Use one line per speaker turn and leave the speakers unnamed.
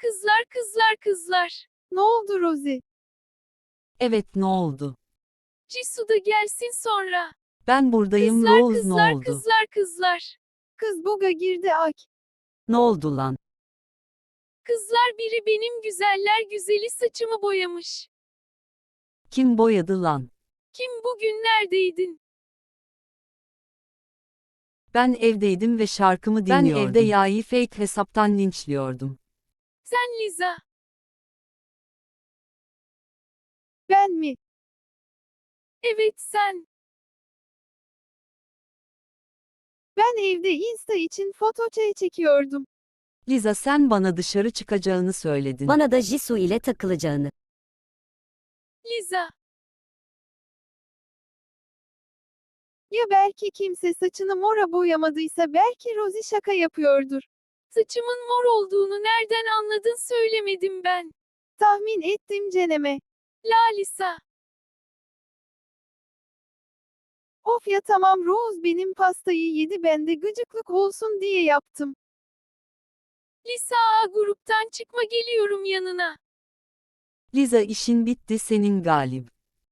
Kızlar kızlar kızlar.
Ne oldu Rosie?
Evet, ne oldu?
Jisoo da gelsin sonra.
Ben buradayım
Kızlar
Rose, ne
kızlar
oldu?
kızlar kızlar.
Kız buga girdi ak.
Ne oldu lan?
Kızlar biri benim güzeller güzeli saçımı boyamış.
Kim boyadı lan?
Kim bugün neredeydin?
Ben evdeydim ve şarkımı dinliyordum. Ben evde Ya'yı fake hesaptan linçliyordum.
Sen Liza.
Ben mi?
Evet sen.
Ben evde Insta için foto çekiyordum.
Liza, sen bana dışarı çıkacağını söyledin.
Bana da Jisoo ile takılacağını.
Liza.
Ya belki kimse saçını mora boyamadıysa belki Rosie şaka yapıyordur.
Saçımın mor olduğunu nereden anladın söylemedim ben.
Tahmin ettim Ceneme.
Lalisa.
Of ya tamam Rose benim pastayı yedi ben de gıcıklık olsun diye yaptım.
Lisa A gruptan çıkma geliyorum yanına.
Liza, işin bitti senin Galip.